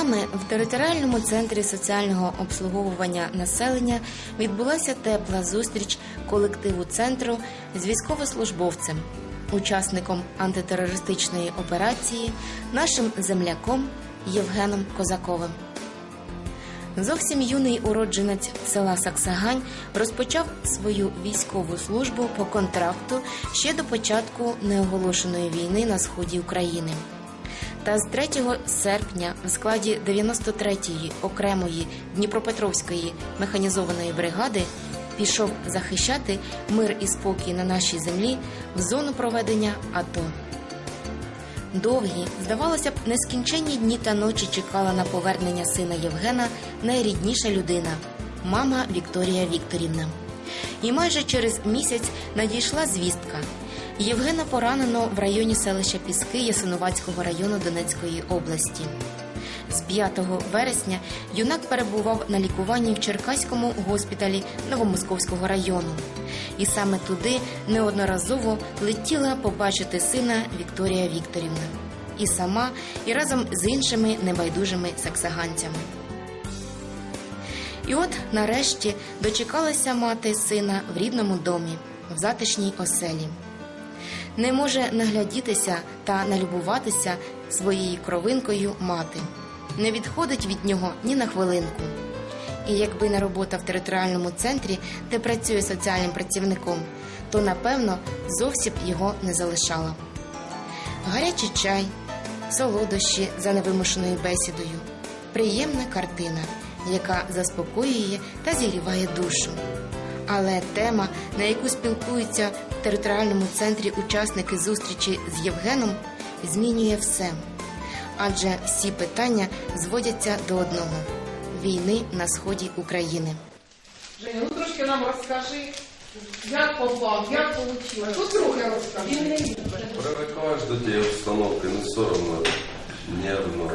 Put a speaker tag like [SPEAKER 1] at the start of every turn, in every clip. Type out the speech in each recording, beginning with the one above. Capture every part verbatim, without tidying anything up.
[SPEAKER 1] Днями в територіальному центрі соціального обслуговування населення відбулася тепла зустріч колективу центру з військовослужбовцем, учасником антитерористичної операції, нашим земляком Євгеном Козаковим. Зовсім юний уродженець села Саксагань розпочав свою військову службу по контракту ще до початку неоголошеної війни на сході України. Та з третього серпня в складі дев'яносто третьої окремої Дніпропетровської механізованої бригади пішов захищати мир і спокій на нашій землі в зону проведення АТО. Довгі, здавалося б, нескінченні дні та ночі чекала на повернення сина Євгена найрідніша людина – мама Вікторія Вікторівна. І майже через місяць надійшла звістка – Євгена поранено в районі селища Піски Ясинуватського району Донецької області. З п'ятого вересня юнак перебував на лікуванні в Черкаському госпіталі Новомосковського району. І саме туди неодноразово летіла побачити сина Вікторія Вікторівна. І сама, і разом з іншими небайдужими саксаганцями. І от, нарешті, дочекалася мати сина в рідному домі, в затишній оселі. Не може наглядітися та налюбуватися своєю кровинкою мати. Не відходить від нього ні на хвилинку. І якби не робота в територіальному центрі, де працює соціальним працівником, то, напевно, зовсім б його не залишала. Гарячий чай, солодощі за невимушеною бесідою. Приємна картина, яка заспокоює та зігріває душу. Але тема, на яку спілкуються в територіальному центрі учасники зустрічі з Євгеном, змінює все. Адже всі питання зводяться до одного – війни на сході України.
[SPEAKER 2] Женя, ну трошки нам розкажи, як попав, як вийшло. Що трохи розкажи.
[SPEAKER 3] Привикаєш до тієї обстановки, не соромно, нервно.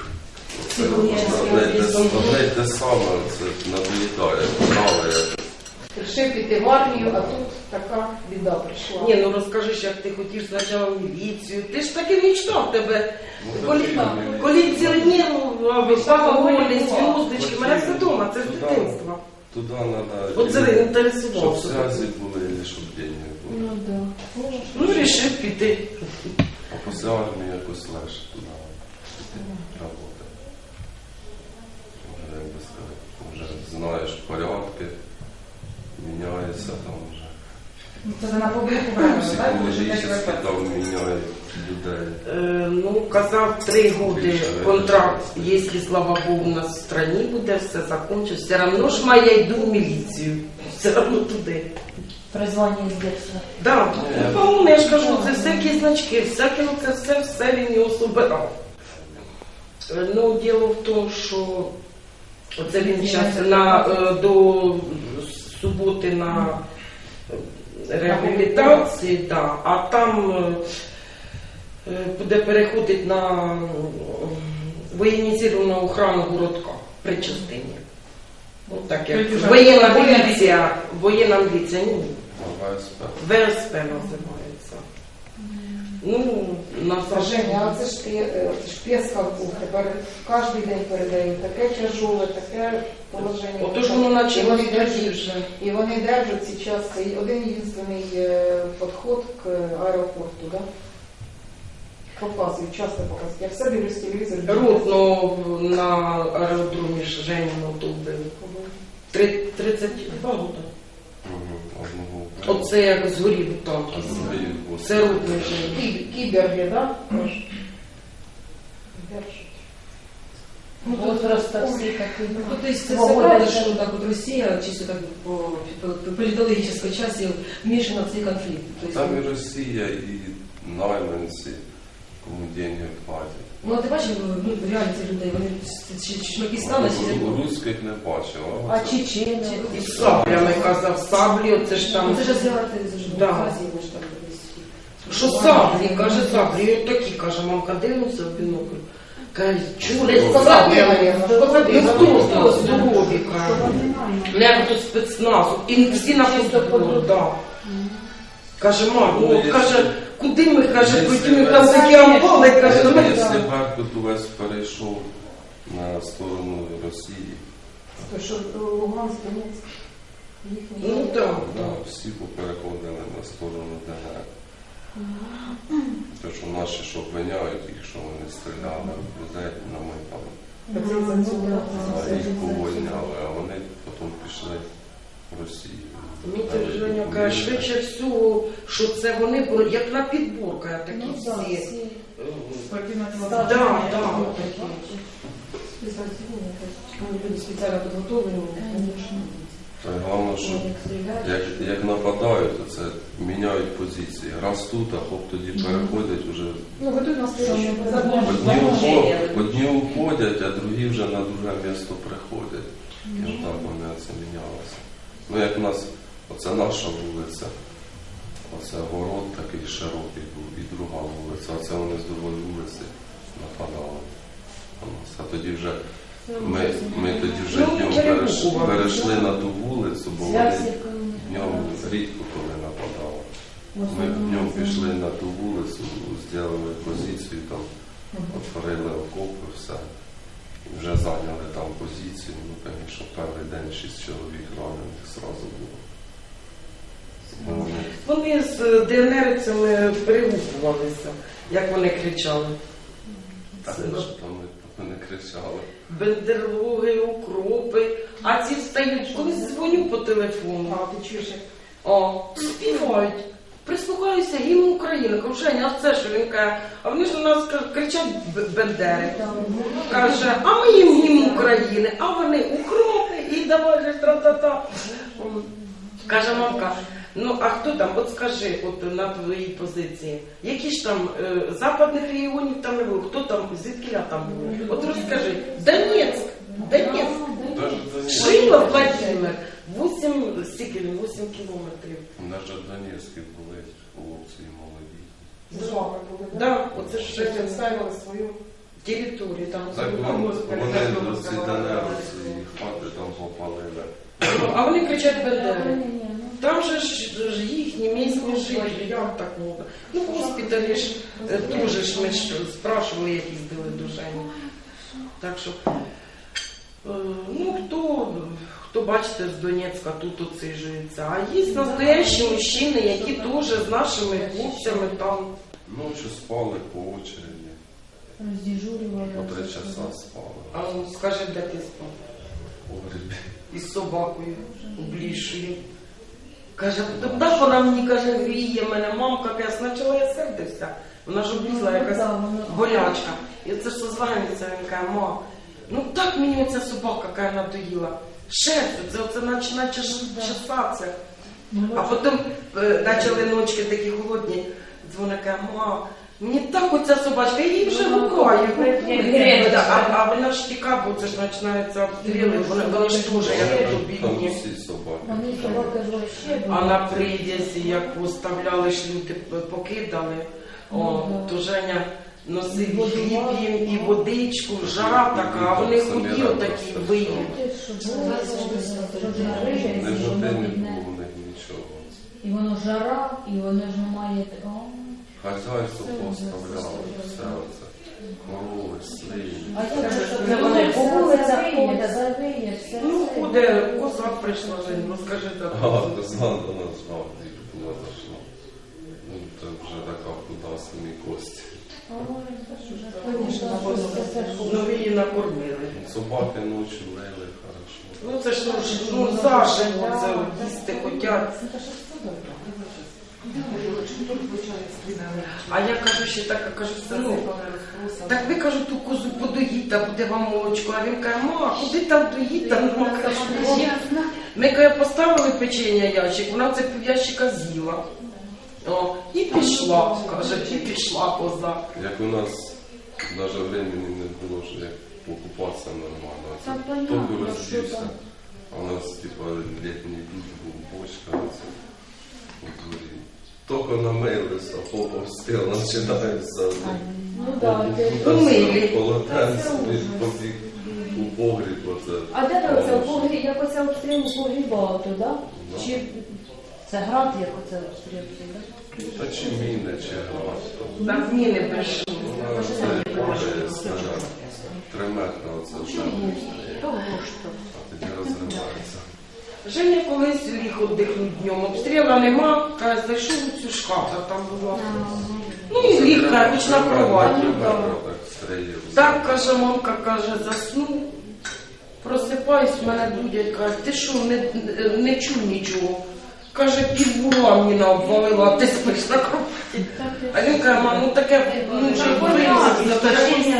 [SPEAKER 3] Одне й те саме, це надоїдає, правильно.
[SPEAKER 2] Рішив піти в армію, а тут така біда прийшла.
[SPEAKER 4] Ні, ну розкажи, як ти хотів спочатку в міліцію. Ти ж таки мечтав тебе. Колекціонеру, погони, зв'язочки. Мене все вдома, це з дитинства.
[SPEAKER 3] Туди треба,
[SPEAKER 4] Оце інтересував.
[SPEAKER 3] щоб зв'язки були, і щоб деньги були.
[SPEAKER 2] Ну, да.
[SPEAKER 4] Ну, рішив піти.
[SPEAKER 3] А після армії якось легше туди роботи. Вже, як би сказати, вже знаєш порядки, міняється там вже.
[SPEAKER 5] Це на публіку брали,
[SPEAKER 3] Психологічно там міняють людей.
[SPEAKER 4] Е, ну, казав, три роки контракт, якщо, слава Богу, у нас в страні буде, все закінчиться. Все одно ж моя йду в міліцію. Все одно туди.
[SPEAKER 5] Призвання з дитинства.
[SPEAKER 4] Так, по-моєму, я ж кажу, це всякі значки, всяке, це все, все він його собирав. Ну, діло в тому, що оце він зараз на, до суботи на реабілітації, да, а там буде переходити на воєнізовану охрану городка при частині. Ну, так як воєнна міліція, воєнна міліція, ні.
[SPEAKER 3] ВСП.
[SPEAKER 4] ВСП називається. Ну, на
[SPEAKER 2] Женя, а це ж ти, це ж Пєсков був, тепер кожен день передають таке тяжоле, таке положення.
[SPEAKER 4] Отож воно наче
[SPEAKER 2] І вони
[SPEAKER 4] тоді
[SPEAKER 2] держать,
[SPEAKER 4] вже.
[SPEAKER 2] і вони держать зараз один єдиний підход к аеропорту, да? Показують, часто показують. Я все дивлюсь телевізор.
[SPEAKER 4] Рудно на аеродромі Женіно тут були. тридцять два роки. Оце як згорів танк. Це рудний Женіно.
[SPEAKER 2] Кіберги, да?
[SPEAKER 5] Ну, тут просто всі такі.
[SPEAKER 6] Ну, то есть, це правда, що так от Росія, чисто так по, по, по політологічній часі вмішана в цей конфлікт. Тобто,
[SPEAKER 3] Там і Росія, і найманці, кому деньги платять.
[SPEAKER 6] ну, а ти бачив, ну, реально ці людей, вони чмаки стали, чи
[SPEAKER 3] Русських не бачив.
[SPEAKER 2] А чечені?
[SPEAKER 4] І з саблями казав, саблі, оце ж там.
[SPEAKER 6] це ж азіати, це ж
[SPEAKER 4] Да.
[SPEAKER 6] Азії, вони ж там десь.
[SPEAKER 4] Що саблі, каже саблі. І от такі, каже, мамка дивиться в бінокль. Каже, чули саблі. Ну хто, хто, здорові, каже. Не, хто спецназу. І всі на фото, да. Каже, мамо, каже, куди ми, каже, потім там такі амбали, каже, ну ми
[SPEAKER 3] якщо Беркут увесь перейшов на сторону Росії.
[SPEAKER 2] То що Луганськ, Донецьк, їхні.
[SPEAKER 4] Ну так.
[SPEAKER 3] Да, всі попереходили на сторону ДНР. Тому що наші що обвиняють їх, що вони стріляли в людей на Майдані. А їх повольняли, а вони потім пішли в Росію.
[SPEAKER 4] Мені Женя каже, швидше всього, що це вони були, як на підборках такі
[SPEAKER 5] Ну, да,
[SPEAKER 4] всі.
[SPEAKER 5] всі.
[SPEAKER 4] е,
[SPEAKER 5] Так,
[SPEAKER 4] Да,
[SPEAKER 5] так,
[SPEAKER 4] да.
[SPEAKER 6] Люди спеціально підготовлені.
[SPEAKER 3] Та й головне, що як, як нападають, то це міняють позиції. Раз тут, а хоп тоді переходять вже.
[SPEAKER 2] Ну, готують нас
[SPEAKER 5] Що?
[SPEAKER 3] Одні, ухо- одні уходять, а другі вже на друге місто приходять. І отак вони це мінялося. Ну як в нас, оце наша вулиця, оце город такий широкий був, і друга вулиця, оце вони з другої вулиці нападали на нас. А тоді вже ми, ми тоді вже
[SPEAKER 4] Ну,
[SPEAKER 3] днем
[SPEAKER 4] перебухували.
[SPEAKER 3] перейшли, перейшли на ту вулицю, бо вони
[SPEAKER 5] Зв'язки, коли
[SPEAKER 3] днем рідко коли нападали. Ми днем пішли на ту вулицю, зробили позицію, там отворили окопи, все. І вже зайняли там позицію. Ну, звісно, перший день шість чоловік ранених зразу було. Бо вони
[SPEAKER 4] Вони з ДНРівцями перегукувалися, як вони кричали.
[SPEAKER 3] так,
[SPEAKER 4] Це-
[SPEAKER 3] що там ми, ми не кричали.
[SPEAKER 4] Бендерлоги, укропи, а ці встають, коли дзвоню по телефону.
[SPEAKER 2] А, ти чуєш, як
[SPEAKER 4] О, співають. Прислухаюся гімн України. Кажу, Женя, а це що? Він каже, а вони ж у нас каже, кричать б- бендери. Каже, а ми їм гімн України, а вони укропи і давай же тра-та-та. М. Каже мамка, ну а хто там, от скажи, от на твоїй позиції, які ж там е, западних регіонів там не було, хто там, звідкіля там було? От розкажи, Донецьк, Донецьк.
[SPEAKER 3] Даже Донецьк,
[SPEAKER 4] Шило Владимир, вісім, скільки він, вісім кілометрів.
[SPEAKER 3] навіть в Донецьку були хлопці і молоді.
[SPEAKER 2] з вами були, так?
[SPEAKER 4] Да, оце ж
[SPEAKER 2] Ще відставили свою.
[SPEAKER 4] територію там.
[SPEAKER 3] Так
[SPEAKER 2] Ну,
[SPEAKER 3] вони,
[SPEAKER 2] Господи,
[SPEAKER 3] вони
[SPEAKER 2] так
[SPEAKER 3] до
[SPEAKER 2] було
[SPEAKER 3] ці
[SPEAKER 2] сказано.
[SPEAKER 3] ДНРівці і хати там попалили.
[SPEAKER 4] А вони кричать бендери.
[SPEAKER 5] Ні, ні, ну.
[SPEAKER 4] Там же ж, ж їхні місні жителі, як так можна? Ну, госпіталі ж е, теж ж ми ж спрашували, як їздили до Жені. Так що, е, ну, хто, хто бачите, з Донецька тут оцижується. А є настоящі мужчини, які теж з нашими хлопцями там.
[SPEAKER 3] Ночі спали по очереді,
[SPEAKER 5] Роздіжурювали.
[SPEAKER 3] по три часа спали.
[SPEAKER 4] А ну, скажи, де ти спав?
[SPEAKER 3] В погребі.
[SPEAKER 4] Із собакою облішою. Каже, так вона мені каже, віє мене, мамка, я спочатку я сердився. Вона ж облізла якась болячка. І це ж созванюється, він каже, ма, ну так мені оця собака каже, надоїла. Шерстю, це оце наче, наче ж чесатися. А потім е, почали ночки такі холодні, дзвони, каже, ма, мені так оця собачка, я її вже гукаю. Да, А, а вона ж тіка, бо це ж починаються обстріли, вони, вони ж теж як
[SPEAKER 3] Там
[SPEAKER 4] бідні.
[SPEAKER 3] всі собаки.
[SPEAKER 5] Вони собаки ж вообще
[SPEAKER 4] А на прив'язі, як поставляли ж люди, покидали, о, то Женя носив хліб їм і водичку, жара така, а вони худі отакі виїли.
[SPEAKER 3] Не жоден не було в них нічого.
[SPEAKER 5] І воно жара, і воно ж немає. О,
[SPEAKER 3] Хазяйство поставляло, все оце. Корови, свині.
[SPEAKER 5] а як же ж
[SPEAKER 4] Це вони
[SPEAKER 5] по вулицях ходять, завиє, все.
[SPEAKER 4] Ну, куди козак прийшла, Жень, розкажи
[SPEAKER 3] А,
[SPEAKER 4] так.
[SPEAKER 3] Руслан до нас жав, і була зайшла. Ну, це вже така худа самі кості.
[SPEAKER 4] Ну, ви її накормили.
[SPEAKER 3] Собаки ночі лили, хорошо.
[SPEAKER 4] Ну, це ж ну, ж, ну заживо, це їсти хотять. А я кажу ще так, я кажу, сину, так ви, кажу, ту козу подоїть, та буде вам молочко. А він каже, ма, куди там доїть, там ну, кажу, ми, каже, поставили печення ящик, вона це пів'ящика з'їла. О, і пішла, каже, і пішла коза.
[SPEAKER 3] Як у нас навіть времени не було, що як покупатися нормально.
[SPEAKER 5] Та
[SPEAKER 3] Це
[SPEAKER 5] понятно,
[SPEAKER 3] тільки
[SPEAKER 5] що
[SPEAKER 3] роздівся.
[SPEAKER 5] там.
[SPEAKER 3] А у нас, типа, літній душ був, бочка, оце, у дворі. Тільки намилися, попа встиг, починається.
[SPEAKER 5] Ну так,
[SPEAKER 4] Помилі.
[SPEAKER 3] Полотенце, побіг у погріб, оце.
[SPEAKER 5] а де ви оце в погріб, як оце обстріл погрібав туди?
[SPEAKER 3] Ну.
[SPEAKER 5] Чи Це град, як оце обстрілки, так?
[SPEAKER 3] Та чи міни, чи град.
[SPEAKER 4] Там міни прийшли.
[SPEAKER 3] Вона це падає снаряд. Три метри оце вже.
[SPEAKER 5] Того ж то.
[SPEAKER 3] А тоді розривається.
[SPEAKER 4] Женя колись ліг віддихнув днем, обстріла нема, каже, зайшов у цю шкафу, там була. Ну і ліг, каже, хоч на кроваті.
[SPEAKER 3] Три метри так стріляв.
[SPEAKER 4] Так, каже, мамка, каже, заснув, просипаюсь, мене будять, каже, ти що, не, не чув нічого. Каже, півбула мені обвалила, а ти спиш на кроваті. А він каже, мам, ну таке, ну вже вирізати.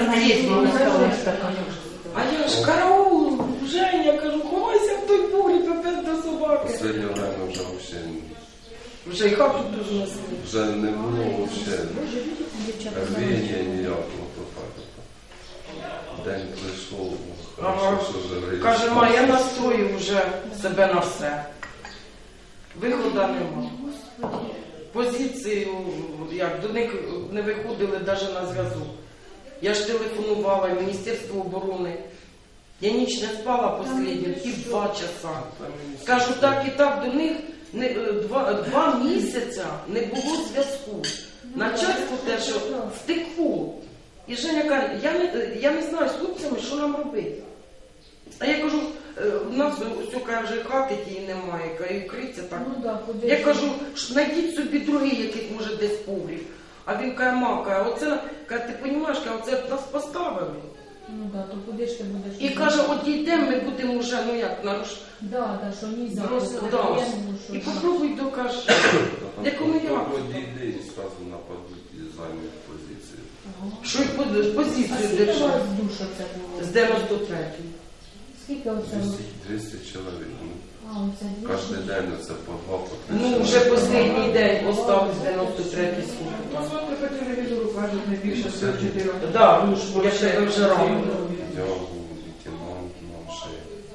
[SPEAKER 4] А я ж караул, Женя, кажу, ховайся в той погріб, опять до собаки.
[SPEAKER 3] Останнє время вже взагалі,
[SPEAKER 4] Вже й хату дуже несли.
[SPEAKER 3] вже не було взагалі рвіння ніякого. То так, то. День прийшов,
[SPEAKER 4] Ага.
[SPEAKER 3] хорошо, що живий.
[SPEAKER 4] Каже, ма, я настрою вже себе на все. Виходу нема. Позицію, як, до них не виходили навіть на зв'язок. Я ж телефонувала в Міністерство оборони. Я ніч не спала останні пів два часа. Кажу, так і так, до них не, е, два, два місяця не було зв'язку. Начальство те, що втекло. І Женя каже, я не, я не знаю з хлопцями, що нам робити. А я кажу, е, у нас все каже, хати тієї немає, каже, і вкриться так.
[SPEAKER 5] Ну, да, куди
[SPEAKER 4] Я
[SPEAKER 5] ж?
[SPEAKER 4] кажу, «Ш- знайдіть собі другий, який може десь погріб. А він каже, мам, каже, оце, каже, ти розумієш, каже, оце нас поставили.
[SPEAKER 5] Ну да, то куди ж ти будеш?
[SPEAKER 4] І каже, от йдемо, ми будемо вже, ну як, наруш...
[SPEAKER 5] Да, да, що ні за
[SPEAKER 4] Просто,
[SPEAKER 5] це
[SPEAKER 4] да.
[SPEAKER 5] воєнну, що
[SPEAKER 4] І
[SPEAKER 5] там.
[SPEAKER 4] попробуй докажи. Якому я?
[SPEAKER 3] Дійде і зразу нападуть і займуть позицію.
[SPEAKER 4] Що й по-
[SPEAKER 5] А
[SPEAKER 4] позицію
[SPEAKER 5] скільки у
[SPEAKER 4] держав.
[SPEAKER 5] вас душа це було?
[SPEAKER 4] З дев'яносто третього.
[SPEAKER 5] Скільки оце?
[SPEAKER 3] двісті чоловік. Ну,
[SPEAKER 5] А, оце дві.
[SPEAKER 3] кожен день це по два, по три.
[SPEAKER 4] Ну, вже останній день осталось дев'яносто третій служби.
[SPEAKER 2] Посмотри по телевізору, кажуть, найбільше сто чотири.
[SPEAKER 4] Так, ну ж, я ще вже рано.
[SPEAKER 3] Я був лейтенант, нам ще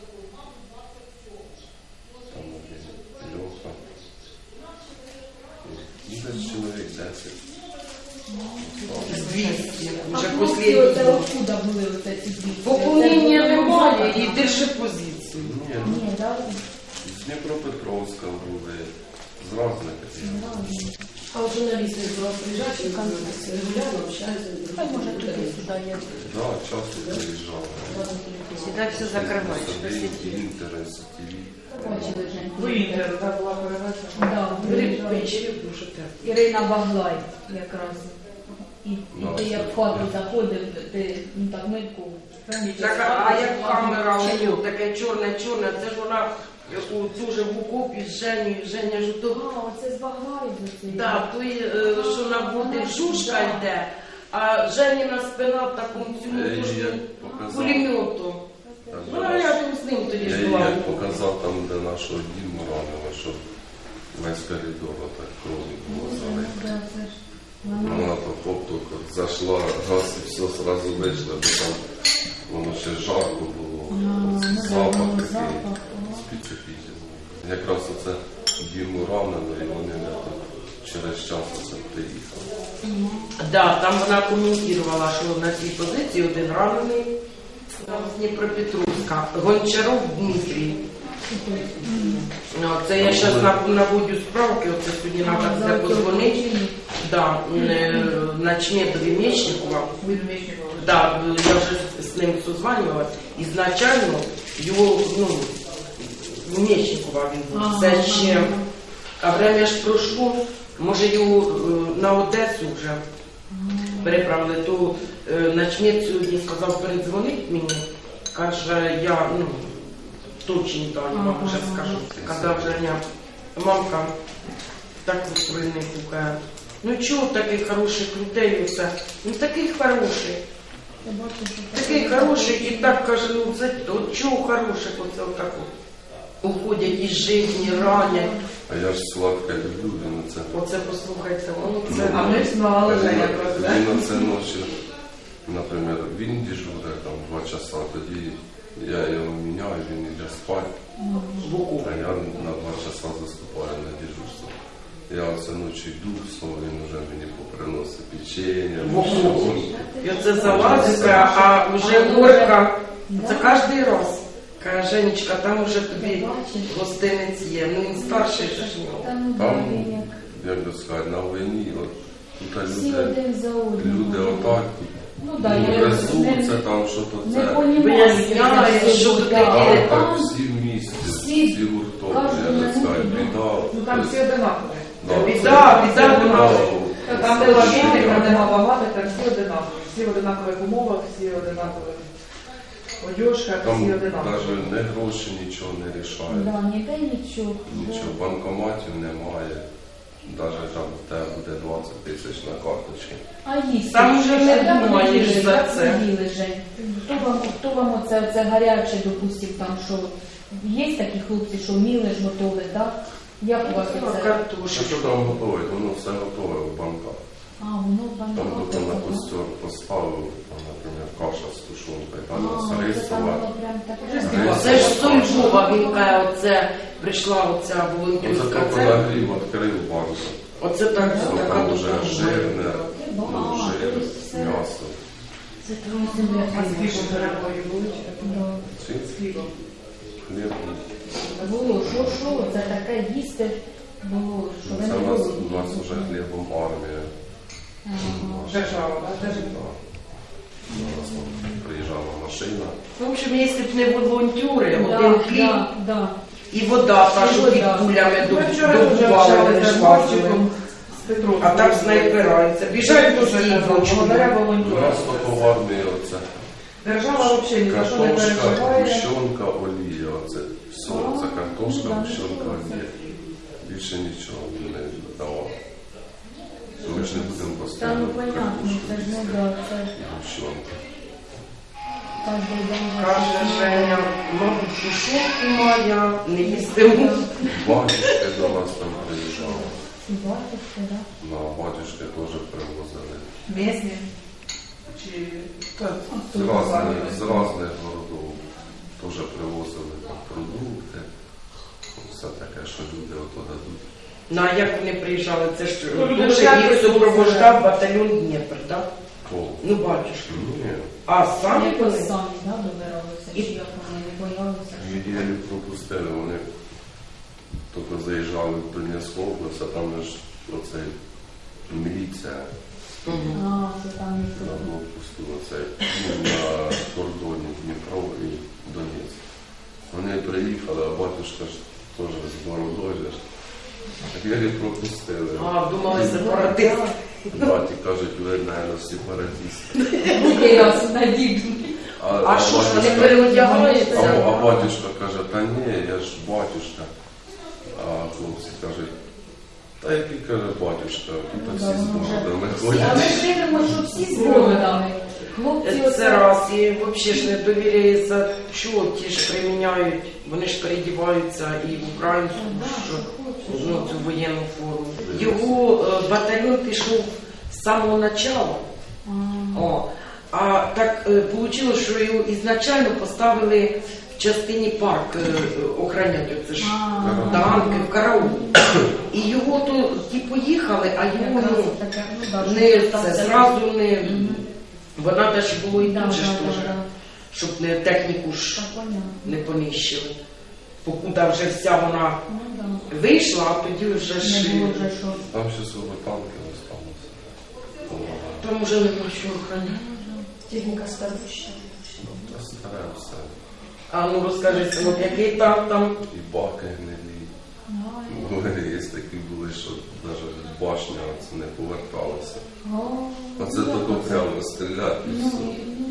[SPEAKER 3] там один Льоха. І десь чоловік десять.
[SPEAKER 4] двісті.
[SPEAKER 5] А
[SPEAKER 4] Вже
[SPEAKER 5] хлопці
[SPEAKER 4] останній
[SPEAKER 5] оце
[SPEAKER 4] день.
[SPEAKER 5] откуда були оце ці двісті?
[SPEAKER 4] Поповнення
[SPEAKER 5] Це було
[SPEAKER 4] немає і
[SPEAKER 5] багато?
[SPEAKER 4] держи позицію.
[SPEAKER 3] Ні,
[SPEAKER 5] Ні, да?
[SPEAKER 3] з Дніпропетровська були, з різних.
[SPEAKER 6] А от журналісти до вас приїжджають, і регулярно общаються.
[SPEAKER 5] Хай може туди-сюди є.
[SPEAKER 3] Да, часто приїжджали.
[SPEAKER 4] Сюди все закривають.
[SPEAKER 3] Інтер, СТВ.
[SPEAKER 5] Бачили, Жень.
[SPEAKER 2] Ви інтер, так була передача.
[SPEAKER 5] Да, виїжджали. Ірина Баглай якраз. І, і
[SPEAKER 3] Ну,
[SPEAKER 5] ти як в хату заходив, ти ну, так митку.
[SPEAKER 4] Так, а а як камера, у таке чорне-чорне, це ж вона у дуже в окопі з Женю, Женя ж
[SPEAKER 5] А,
[SPEAKER 4] то,
[SPEAKER 5] оце з Баглаєм за це.
[SPEAKER 4] да, той, е, що наводив, жушка йде, а Женіна спина в такому цьому
[SPEAKER 3] Я їй
[SPEAKER 4] пушку
[SPEAKER 3] як показав.
[SPEAKER 4] пулемету.
[SPEAKER 3] Так,
[SPEAKER 4] Ну, а я там з ним тоді
[SPEAKER 3] Я
[SPEAKER 4] ж
[SPEAKER 3] їй
[SPEAKER 4] була.
[SPEAKER 3] як показав там, де нашого Діму ранило, що весь коридор так крові було залито.
[SPEAKER 5] Да, це ж вона.
[SPEAKER 3] Вона то хоп-то зайшла, газ і все одразу вийшло, бо там воно ще жарко було,
[SPEAKER 5] ну,
[SPEAKER 3] запах
[SPEAKER 5] да,
[SPEAKER 3] такий
[SPEAKER 5] запах, ага.
[SPEAKER 3] специфічний. Якраз оце Діму ранило, і вони не то через час оце приїхали.
[SPEAKER 4] Да, там вона коментувала, що на цій позиції один ранений там з Дніпропетровська, Гончаров Дмитрій. Ну, це я зараз наводю справки, оце сьогодні треба
[SPEAKER 5] За
[SPEAKER 4] це
[SPEAKER 5] цього
[SPEAKER 4] позвонити.
[SPEAKER 5] причини.
[SPEAKER 4] Да, е, Начметові Мечникова. Да, я вже з ним созванювалась. Ізначально його, ну, Мечникова він був.
[SPEAKER 5] Ага,
[SPEAKER 4] Це ще,
[SPEAKER 5] ага.
[SPEAKER 4] а время ж пройшло, може його е, на Одесу вже переправили, то е, начмет сьогодні сказав передзвонить мені, каже, я, ну, точні дані вам вже скажу. Казав Женя, мамка, так устроєний кукає. Ну чого таких хороших людей оце? Ну такий хороший.
[SPEAKER 5] Я бачу, що
[SPEAKER 4] Такий хороший і так каже, ну це от чого хороших оце отако. Уходять із житті, ранять.
[SPEAKER 3] А я ж сладке люблю, він оце.
[SPEAKER 4] Оце послухайте, ну це.
[SPEAKER 2] А ми знали, Женя, про це.
[SPEAKER 3] Він оце ночі, наприклад, він дежурить там два часа, тоді я його міняю, він йде спати,
[SPEAKER 4] Боку.
[SPEAKER 3] а я на два часа заступаю на дежурство. Я оце ночі йду, сон, він вже мені поприносить печення,
[SPEAKER 4] Боку. І оце залазить, а вже горка. Це кожен раз. Каже, Женечка, там уже тобі
[SPEAKER 5] Бачиш?
[SPEAKER 4] гостинець є. Ну він старший же ж
[SPEAKER 5] Та
[SPEAKER 4] нього.
[SPEAKER 5] ну
[SPEAKER 3] Там,
[SPEAKER 5] да, він як
[SPEAKER 3] як би сказати, на війні, от, тут
[SPEAKER 5] всі
[SPEAKER 3] люди,
[SPEAKER 5] один за одним.
[SPEAKER 3] люди отак,
[SPEAKER 5] Ну да, я
[SPEAKER 3] трясуться, там що-то
[SPEAKER 5] не
[SPEAKER 3] це.
[SPEAKER 4] Виясняє, що тут
[SPEAKER 3] А
[SPEAKER 4] таке.
[SPEAKER 3] так всі в місті,
[SPEAKER 5] всі-
[SPEAKER 3] всі гуртом,
[SPEAKER 5] кожен
[SPEAKER 3] я би сказати,
[SPEAKER 5] на
[SPEAKER 3] біда.
[SPEAKER 2] Ну там всі одинакові.
[SPEAKER 3] Да,
[SPEAKER 4] Біда, біда,
[SPEAKER 3] це-
[SPEAKER 4] біда.
[SPEAKER 3] да,
[SPEAKER 2] Там
[SPEAKER 3] це
[SPEAKER 2] де
[SPEAKER 3] ж
[SPEAKER 2] лавіни,
[SPEAKER 3] біда.
[SPEAKER 2] там нема багато, там всі одинакові. Всі в одинакових умовах, всі одинакові. Одежка,
[SPEAKER 3] Там
[SPEAKER 2] всі одинакові.
[SPEAKER 3] навіть не гроші нічого не рішають.
[SPEAKER 5] Да, ніде нічого.
[SPEAKER 3] Нічого, банкоматів немає. Навіть там в тебе буде двадцять тисяч на карточці.
[SPEAKER 5] А їсти?
[SPEAKER 4] Там уже не
[SPEAKER 5] Як ви
[SPEAKER 4] думаєш
[SPEAKER 5] їли?
[SPEAKER 4] за
[SPEAKER 5] Як
[SPEAKER 4] це.
[SPEAKER 5] ви їли, Жень? Хто вам, хто вам оце, оце гаряче, допустим, там, що є такі хлопці, що вміли ж готові, так? Як у вас
[SPEAKER 4] Ну,
[SPEAKER 5] оце?
[SPEAKER 3] Що
[SPEAKER 4] картошка.
[SPEAKER 3] що там готовить? Воно все готове в банках.
[SPEAKER 5] А, воно
[SPEAKER 3] Там
[SPEAKER 5] банкоте.
[SPEAKER 3] хто на костер поставив, там, наприклад, каша з тушонкою, там
[SPEAKER 5] А,
[SPEAKER 3] з
[SPEAKER 5] це там
[SPEAKER 3] рисова.
[SPEAKER 5] воно прям таке.
[SPEAKER 3] Рисова.
[SPEAKER 4] Це ж Сольжова, він каже, оце прийшла оця
[SPEAKER 3] Оце
[SPEAKER 4] волонтерська
[SPEAKER 3] тільки
[SPEAKER 4] церква.
[SPEAKER 3] нагрів, відкрив банку.
[SPEAKER 4] Оце так,
[SPEAKER 3] Все
[SPEAKER 4] така
[SPEAKER 3] там вже
[SPEAKER 4] допомога.
[SPEAKER 3] жирне, ну,
[SPEAKER 5] А,
[SPEAKER 3] жир,
[SPEAKER 5] то есть це-
[SPEAKER 3] м'ясо.
[SPEAKER 5] Це твої земля.
[SPEAKER 2] А з хлібом перебої були?
[SPEAKER 5] Да.
[SPEAKER 3] Ці
[SPEAKER 2] З хлібом.
[SPEAKER 3] хліб.
[SPEAKER 5] Було, що, що, це таке їсти було, що ви
[SPEAKER 3] Це
[SPEAKER 5] не
[SPEAKER 3] у нас,
[SPEAKER 5] було.
[SPEAKER 3] у нас вже хлібом армія.
[SPEAKER 5] Ага.
[SPEAKER 2] Держава, так? Держава.
[SPEAKER 3] Да. У нас там приїжджала машина.
[SPEAKER 4] В общем, якщо б не волонтери,
[SPEAKER 5] Да,
[SPEAKER 4] один хліб
[SPEAKER 5] да, да.
[SPEAKER 4] і вода, та,
[SPEAKER 5] І
[SPEAKER 4] що
[SPEAKER 5] вода.
[SPEAKER 4] під кулями
[SPEAKER 2] Ми вчора вже
[SPEAKER 4] добували, не
[SPEAKER 2] общалися з
[SPEAKER 4] шварили.
[SPEAKER 2] Марчиком, з Петром.
[SPEAKER 4] А там снайпераються. Біжать
[SPEAKER 2] Дуже
[SPEAKER 4] всі
[SPEAKER 2] казав,
[SPEAKER 4] ночі.
[SPEAKER 2] благодаря
[SPEAKER 3] У
[SPEAKER 2] волонтерам.
[SPEAKER 3] нас тільки в армії оце
[SPEAKER 2] Держава взагалі ні за що не
[SPEAKER 3] картошка,
[SPEAKER 2] переживає.
[SPEAKER 3] гущонка, олія. Оце все,
[SPEAKER 5] А,
[SPEAKER 3] це картошка,
[SPEAKER 5] ну, да,
[SPEAKER 3] гущонка,
[SPEAKER 5] це
[SPEAKER 3] олія. Більше нічого не давав. Ми ж не будемо
[SPEAKER 5] Та
[SPEAKER 3] постійно
[SPEAKER 5] ну понятно, це ж не да, це ж
[SPEAKER 3] гущонка.
[SPEAKER 5] кожен день.
[SPEAKER 4] Каже Женя, мабуть, тушонку моя, не їстиму.
[SPEAKER 3] Батюшки до нас там приїжджали.
[SPEAKER 5] Батюшки, да?
[SPEAKER 3] На батюшки теж привозили.
[SPEAKER 2] Місні? Чи... Так.
[SPEAKER 3] З різних, з різних городів теж привозили там продукти. Все таке, що люди ото дадуть.
[SPEAKER 4] Ну, а як вони приїжджали? Це ж
[SPEAKER 2] Ну, люди
[SPEAKER 4] дуже
[SPEAKER 2] ж
[SPEAKER 4] їх
[SPEAKER 2] якось
[SPEAKER 4] супроводжав батальйон Дніпр, так?
[SPEAKER 3] Кол.
[SPEAKER 4] Ну, батюшки.
[SPEAKER 3] Ні.
[SPEAKER 4] А самі
[SPEAKER 5] Як
[SPEAKER 4] вони?
[SPEAKER 5] ви самі, да, добиралися, чи як вони не боялися?
[SPEAKER 3] Єлі пропустили, вони тільки заїжджали в Донецьку область, а там ж оце міліція
[SPEAKER 4] Мгм.
[SPEAKER 5] А, це там
[SPEAKER 3] на
[SPEAKER 5] і тут.
[SPEAKER 3] блокпосту, оце ну, на кордоні Дніпро і Донецьк. Вони приїхали, а батюшка ж теж з бородою ж. Так єлі пропустили.
[SPEAKER 4] А, думали, сепаратист.
[SPEAKER 3] Браті кажуть, ви, наверное, сепаратисти.
[SPEAKER 5] Я надіжний.
[SPEAKER 4] А що ж, вони
[SPEAKER 3] батюшка-
[SPEAKER 4] переодягаються?
[SPEAKER 3] А, а батюшка каже, та ні, я ж батюшка. А хлопці кажуть, та який каже батюшка, тут всі з бородами
[SPEAKER 5] Але
[SPEAKER 3] ходять.
[SPEAKER 5] ж дивимо, що всі з бородами. Хлопці
[SPEAKER 4] Це
[SPEAKER 5] оце...
[SPEAKER 4] раз, і взагалі ж не довіряється, що ті ж приміняють, вони ж передіваються і в українську,
[SPEAKER 5] Да,
[SPEAKER 4] що,
[SPEAKER 5] що хочеш.
[SPEAKER 4] ну, цю воєнну форму. Його е, батальйон пішов з самого початку.
[SPEAKER 5] А,
[SPEAKER 4] О, а так вийшло, що його ізначально поставили в частині парк е, охороняти. Це ж
[SPEAKER 5] а,
[SPEAKER 4] танки, в караул. І його то ті поїхали, а його
[SPEAKER 5] якраз
[SPEAKER 4] ну,
[SPEAKER 5] таке, ну, да,
[SPEAKER 4] не
[SPEAKER 5] що там
[SPEAKER 4] це
[SPEAKER 5] все-
[SPEAKER 4] зразу не.
[SPEAKER 5] Мгм.
[SPEAKER 4] Вона навіть було і
[SPEAKER 5] Да,
[SPEAKER 4] тут же ж
[SPEAKER 5] да,
[SPEAKER 4] теж,
[SPEAKER 5] да, да.
[SPEAKER 4] щоб не техніку ж
[SPEAKER 5] Так, понятно.
[SPEAKER 4] не понищили. Покуда вже вся вона
[SPEAKER 5] Ну, да.
[SPEAKER 4] вийшла, а тоді вже ж
[SPEAKER 5] Не було вже що.
[SPEAKER 3] Там ще свого танки залишилося.
[SPEAKER 4] там вже нема що охороняти.
[SPEAKER 6] Техніка старуща.
[SPEAKER 3] Та старе все.
[SPEAKER 4] А ну розкажи, синок, який там там.
[SPEAKER 3] І баки гнилі.
[SPEAKER 5] Ай,
[SPEAKER 3] Були, є такі були, що навіть башня це не поверталася.
[SPEAKER 5] о,
[SPEAKER 3] Оце тільки прямо стріляти і
[SPEAKER 5] ну,
[SPEAKER 3] все.
[SPEAKER 5] ну,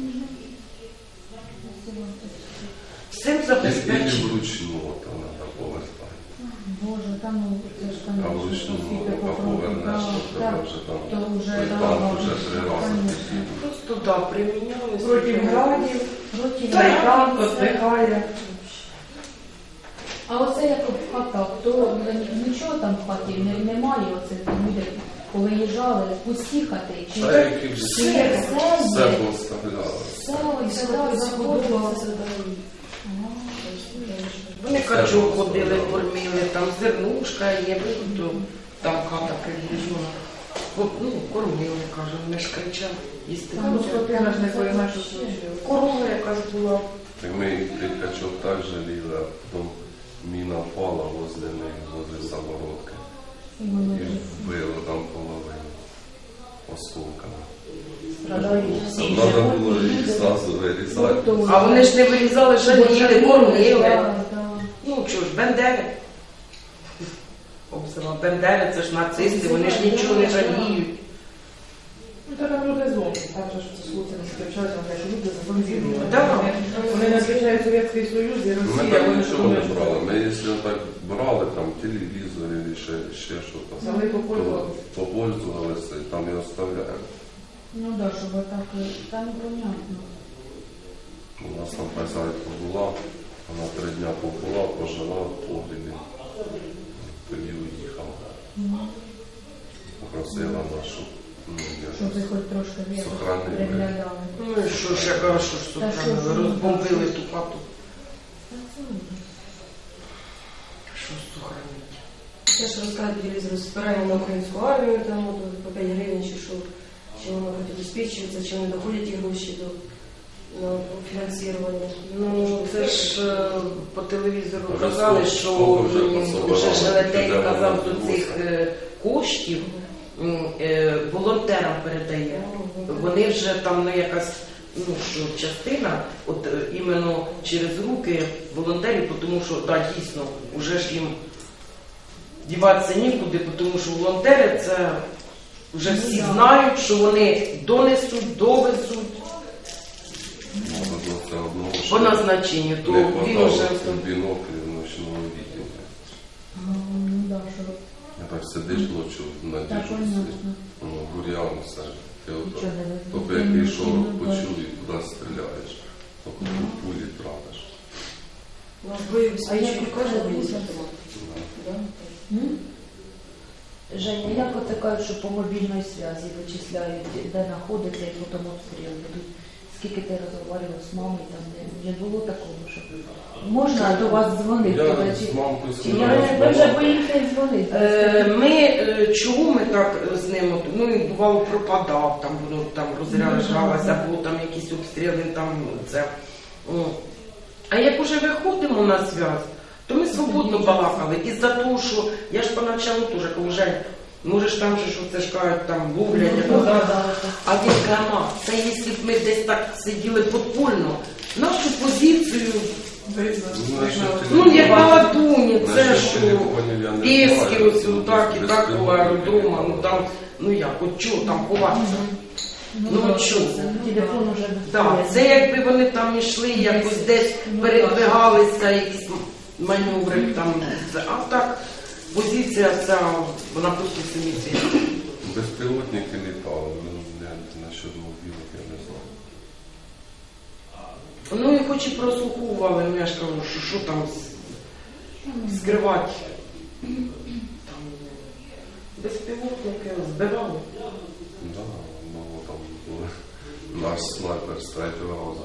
[SPEAKER 4] Всім
[SPEAKER 3] І, і
[SPEAKER 4] забезпечено.
[SPEAKER 3] вручну то треба повертати.
[SPEAKER 5] Боже, там ну, це ж там
[SPEAKER 3] А
[SPEAKER 5] що
[SPEAKER 3] вручну,
[SPEAKER 5] скільки
[SPEAKER 3] поки
[SPEAKER 5] попробуй.
[SPEAKER 3] повернеш,
[SPEAKER 5] Так,
[SPEAKER 3] то треба
[SPEAKER 5] так.
[SPEAKER 3] вже там
[SPEAKER 5] То вже,
[SPEAKER 3] той
[SPEAKER 5] да,
[SPEAKER 3] танк вже
[SPEAKER 5] бачиш,
[SPEAKER 3] три рази
[SPEAKER 5] конечно.
[SPEAKER 3] підійде.
[SPEAKER 4] Просто да, приміняли.
[SPEAKER 2] Проти градів,
[SPEAKER 5] Проти
[SPEAKER 2] Трайкан
[SPEAKER 5] градів, це-
[SPEAKER 2] віддихає.
[SPEAKER 5] А оце як в хатах, то нічого там в хаті не, немає, оце люди повиїжджали, пусті хати, чи
[SPEAKER 3] Та які вже
[SPEAKER 5] чи є все
[SPEAKER 3] все
[SPEAKER 5] є,
[SPEAKER 3] поставляли.
[SPEAKER 5] все, і сюди заходило.
[SPEAKER 4] Вони качок ходили, кормили, там зернушка є, то там хата приближена. Ну, кормили, каже, вони ж кричали, їсти
[SPEAKER 2] Ну,
[SPEAKER 4] хочуть.
[SPEAKER 2] Скотина ж не пойме, що случилось. Корова якась була
[SPEAKER 3] Так мы их прикачок так жалели, а потом мина пала возле них, возле самородка.
[SPEAKER 5] І воно
[SPEAKER 3] И
[SPEAKER 5] вже
[SPEAKER 3] вбило там половину осколками.
[SPEAKER 5] страдають всі.
[SPEAKER 3] Надо було їх зразу вирізати.
[SPEAKER 4] А вони ж не вирізали, жаліли, кормили.
[SPEAKER 5] Да, да.
[SPEAKER 4] Ну що ж, бендери. Обзива, бендери, це ж нацисти, вони ж нічого не жаліють.
[SPEAKER 2] Ну, так як люди злом. Так же ж це хлопці не сперечаються, на те, що люди зазомбірували.
[SPEAKER 4] Да.
[SPEAKER 2] Вони не звичайно Совєтський Союз і
[SPEAKER 3] Ми
[SPEAKER 2] Росія.
[SPEAKER 3] так
[SPEAKER 2] вони
[SPEAKER 3] нічого не
[SPEAKER 2] ж
[SPEAKER 3] брали. Ми, якщо так брали, там телевізор і ще, ще щось,
[SPEAKER 2] Взяли,
[SPEAKER 3] то
[SPEAKER 2] попользувалися.
[SPEAKER 3] попользувалися і там і оставляємо.
[SPEAKER 5] Ну да, щоб отак, там понятно.
[SPEAKER 3] У нас там хазяйка була, вона три дня побула, пожила в погрібі, тоді уїхала. Попросила нашу, ну,
[SPEAKER 5] Щоб ви
[SPEAKER 3] я
[SPEAKER 5] хоч трошки віру
[SPEAKER 3] Сохранили.
[SPEAKER 5] приглядали.
[SPEAKER 4] Ну і що ж, я кажу, що ж тут
[SPEAKER 5] Та що ж,
[SPEAKER 4] розбомбили ту хату.
[SPEAKER 5] Та це ужас.
[SPEAKER 4] Що сохранити?
[SPEAKER 6] Я ж розказую по телевізору збирання на українську армію, там от, по п'ять гривень чи що, чи воно хоч обезпечується, чи вони доходять ті гроші до на фінансування.
[SPEAKER 4] Ну, це ж е, по телевізору
[SPEAKER 3] Вже
[SPEAKER 4] казали,
[SPEAKER 3] скільки
[SPEAKER 4] що
[SPEAKER 3] вже
[SPEAKER 4] м,
[SPEAKER 3] пособирали,
[SPEAKER 4] вже Желетей
[SPEAKER 3] де воно
[SPEAKER 4] казав, до
[SPEAKER 3] відбулося.
[SPEAKER 4] цих е, коштів м, е, волонтерам передає. Вони вже там не якась, ну що, частина, от е, іменно через руки волонтерів, тому що, так, дійсно, вже ж їм діватися нікуди, тому що волонтери це вже всі знають, що вони донесуть, довезуть
[SPEAKER 3] Надо було все одно,
[SPEAKER 4] по
[SPEAKER 3] що
[SPEAKER 4] назначенню, то
[SPEAKER 3] не
[SPEAKER 4] він
[SPEAKER 3] хватало
[SPEAKER 4] вже
[SPEAKER 3] біноклів ночного відділення.
[SPEAKER 5] Ну, ну да, що
[SPEAKER 3] Я так сидиш ночі на
[SPEAKER 5] так
[SPEAKER 3] дежурстві,
[SPEAKER 5] понятно.
[SPEAKER 3] ну, бур'ян все. Ти ото,
[SPEAKER 5] Нічого не видно.
[SPEAKER 3] тільки який шорох почув і туди стріляєш, тільки
[SPEAKER 5] Ну.
[SPEAKER 3] пулі тратиш.
[SPEAKER 6] У нас бойові
[SPEAKER 5] А як
[SPEAKER 6] спічки
[SPEAKER 5] ви
[SPEAKER 6] кожного
[SPEAKER 5] кажете,
[SPEAKER 6] місяця.
[SPEAKER 3] Да.
[SPEAKER 5] М? Женя, як от кажуть, що по мобільній зв'язі вичисляють, де знаходиться і потім обстріл ведуть? Скільки ти розмовляв з мамою, там не, не було такого, що можна до вас дзвонити?
[SPEAKER 3] Я
[SPEAKER 5] туди,
[SPEAKER 3] з
[SPEAKER 5] чи-
[SPEAKER 3] мамкою
[SPEAKER 5] чи
[SPEAKER 3] сидів,
[SPEAKER 5] я- Ви вже
[SPEAKER 3] розмовляв.
[SPEAKER 5] боїтесь дзвонити?
[SPEAKER 4] Е, Ми, е, чому ми так з ним, от, ну він бувало пропадав, там воно там розряджалося, або там якісь обстріли, там це. О. А як уже виходимо на зв'язок, то ми свободно балакали. Із-за того, що я ж поначалу теж кажу, Жень, можеш там же, що це ж кажуть, там ловлять,
[SPEAKER 5] Ну,
[SPEAKER 4] а
[SPEAKER 5] да,
[SPEAKER 4] так.
[SPEAKER 5] да,
[SPEAKER 4] А він каже, «Ма, це якщо б ми десь так сиділи подпольно, нашу позицію,
[SPEAKER 3] Ну, насчет
[SPEAKER 4] ну як на
[SPEAKER 3] телефонів-
[SPEAKER 4] ладуні, це
[SPEAKER 3] насчет
[SPEAKER 4] що,
[SPEAKER 3] телефонів я не
[SPEAKER 4] Піски,
[SPEAKER 3] знаю.
[SPEAKER 4] ось так і
[SPEAKER 3] Без
[SPEAKER 4] так по
[SPEAKER 3] телефонів
[SPEAKER 4] аеродрома, ну
[SPEAKER 3] не
[SPEAKER 4] там, ну як, от чого там ховатися?
[SPEAKER 5] Ну,
[SPEAKER 4] Ну,
[SPEAKER 5] да,
[SPEAKER 4] чого?
[SPEAKER 5] телефон уже
[SPEAKER 4] Так, це якби вони там йшли, якось десь передвигалися, якісь маневри там, це- а так, позиція ця, вона просто самі ці.
[SPEAKER 3] Безпілотники літали, ну, я насчет мобілок я не знаю.
[SPEAKER 4] Ну і хоч і прослуховували, ну я ж кажу, що, що там с- скривати. Там безпілотники збирали.
[SPEAKER 3] Да, ну там були. Наш снайпер з третього разу.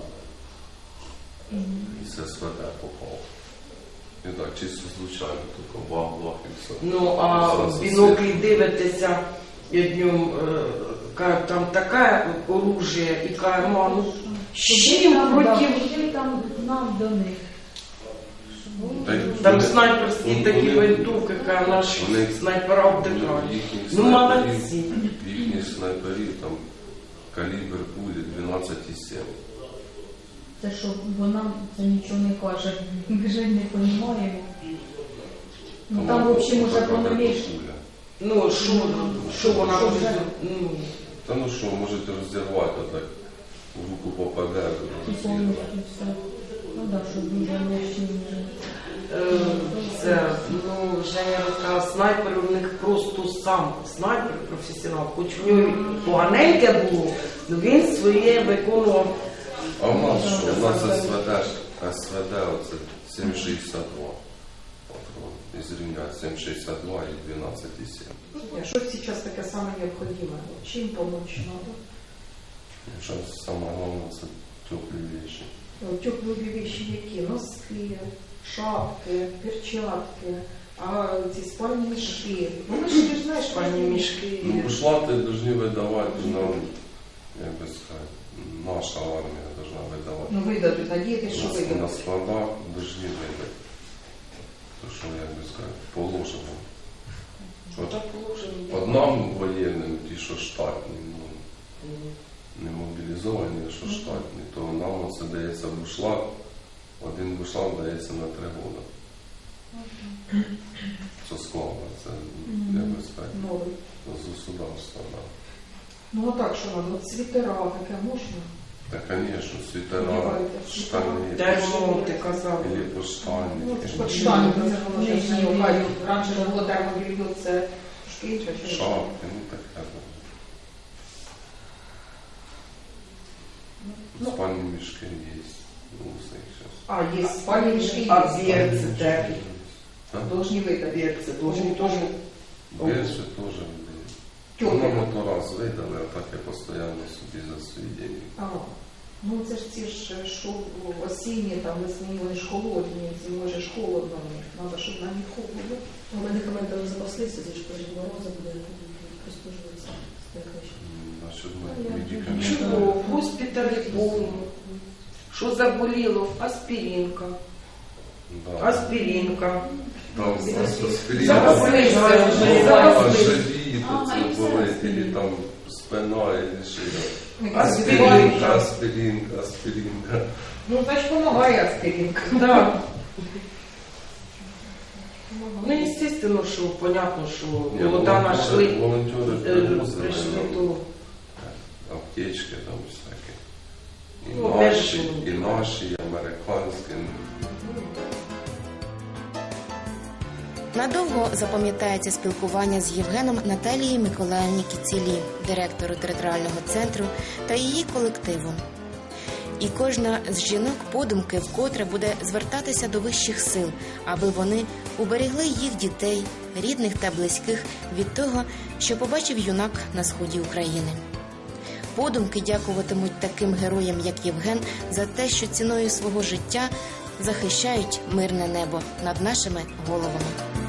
[SPEAKER 3] І з СВД попав. І так, чисто случайно, тільки бах-бах і все.
[SPEAKER 4] Ну, а
[SPEAKER 3] Зразу
[SPEAKER 4] в біноклі дивитися, і днем е, ка- там таке оружие, і каже, «Ма, ну з чим проти...»
[SPEAKER 5] Куди там нам до них?
[SPEAKER 3] Та й
[SPEAKER 4] Там
[SPEAKER 3] вони-
[SPEAKER 4] снайперські
[SPEAKER 3] вони-
[SPEAKER 4] такі
[SPEAKER 3] вони-
[SPEAKER 4] винтовки, каже, наші
[SPEAKER 3] вони-
[SPEAKER 4] снайпера
[SPEAKER 3] вони
[SPEAKER 4] втикають.
[SPEAKER 3] їхніх
[SPEAKER 4] Ну,
[SPEAKER 3] снайперів-
[SPEAKER 4] молодці.
[SPEAKER 3] Їхніх снайперів там калібр пулі дванадцять і сім.
[SPEAKER 5] Це що, бо нам це нічого не каже. Ми ж не розуміємо. Ну там, в общем, уже поновіш.
[SPEAKER 4] Ну, що, що вона
[SPEAKER 5] Що
[SPEAKER 4] робить?
[SPEAKER 5] вже?
[SPEAKER 4] Ну,
[SPEAKER 3] Та ну що, можете розірвати, отак в руку попаде,
[SPEAKER 5] І
[SPEAKER 3] розірвати.
[SPEAKER 5] повністю все. Ну так, щоб дуже лишні вже.
[SPEAKER 4] е, це, ну, Женя розказала, снайпер у них просто сам снайпер, професіонал, хоч в нього поганеньке було, але він своє виконував.
[SPEAKER 3] А у нас що? У нас СВД, СВД оце сім шістдесят два. Патрон. Із рівня сім шістдесят два і дванадцять і сім.
[SPEAKER 2] Що зараз таке саме необхідне? Чим помочь надо?
[SPEAKER 3] Зараз саме головне це теплі речі.
[SPEAKER 2] Теплі вещи які? Носки, шапки, перчатки, а ці спальні мішки. Ну, ми ж ти ж знаєш,
[SPEAKER 4] Спальні мішки.
[SPEAKER 3] Ну, бушлати повинні видавати нам як би сказати, наша армія повинна видавати.
[SPEAKER 2] Ну видадуть, надіятися, що
[SPEAKER 3] На
[SPEAKER 2] видадуть.
[SPEAKER 3] складах повинні видати. То що, як би сказати, положено. От
[SPEAKER 4] Так положено.
[SPEAKER 3] одному воєнним, ті, що штатні, ну, не мобілізовані, а що штатні, то нам оце дається бушлат, один бушлат дається на три роки. Це складно, це, як би сказати,
[SPEAKER 2] Новий.
[SPEAKER 3] з государства, да.
[SPEAKER 2] Ну а так, що нам? От світера таке можна?
[SPEAKER 3] Та, звісно, світера,
[SPEAKER 2] Одягаєте
[SPEAKER 3] штани,
[SPEAKER 4] Термо, ти казав.
[SPEAKER 2] Ну,
[SPEAKER 3] ліпоштані,
[SPEAKER 2] це ж хоч штани, це ж воно ж не окажуть. Раніше ж було термобільйо, це шкіл, чи що?
[SPEAKER 3] шапки, ну таке.
[SPEAKER 2] Ну.
[SPEAKER 3] Спальні мішки є, ну, все зараз.
[SPEAKER 2] А, є спальні мішки, є.
[SPEAKER 4] А берці де?
[SPEAKER 2] Должні видати.
[SPEAKER 4] Берці, должні теж.
[SPEAKER 3] Більше теж людей.
[SPEAKER 2] Тьоки.
[SPEAKER 3] Воно то раз видали, а так я постійно собі за свої деньги.
[SPEAKER 2] А, ну це ж ці ж що осінні, там весні, вони ж холодні, зимою ж холодно в них. Треба, щоб на них холодно.
[SPEAKER 6] Медикаментами запаслися, це ж перед морозом буде прислужуватися.
[SPEAKER 3] Насчет
[SPEAKER 2] Ну,
[SPEAKER 3] медикаментів.
[SPEAKER 4] Чого? В госпіталі повно. Що заболіло? Аспіринка.
[SPEAKER 3] Да.
[SPEAKER 4] Аспіринка.
[SPEAKER 3] Там просто
[SPEAKER 4] Запаслися.
[SPEAKER 3] а живіт, оце болить, і там спина, і шия.
[SPEAKER 4] Аспіринка.
[SPEAKER 3] Аспіринка, аспіринка.
[SPEAKER 2] Ну, значить, допомагає аспіринка.
[SPEAKER 4] Да. Ну, естественно, що, понятно, що
[SPEAKER 3] Ні,
[SPEAKER 4] молода
[SPEAKER 3] волонтери-
[SPEAKER 4] нашли,
[SPEAKER 3] Волонтери
[SPEAKER 4] е,
[SPEAKER 3] привозили
[SPEAKER 4] прийшли
[SPEAKER 3] нам
[SPEAKER 4] то.
[SPEAKER 3] аптечки там всякі. І
[SPEAKER 4] Ну,
[SPEAKER 3] наші,
[SPEAKER 4] теж.
[SPEAKER 3] і наші, і американські.
[SPEAKER 1] Надовго запам'ятається спілкування з Євгеном Наталії Миколаївні Кіцілі, директору територіального центру, та її колективом. І кожна з жінок подумки вкотре буде звертатися до вищих сил, аби вони уберегли їх дітей, рідних та близьких від того, що побачив юнак на сході України. Подумки дякуватимуть таким героям, як Євген, за те, що ціною свого життя захищають мирне небо над нашими головами.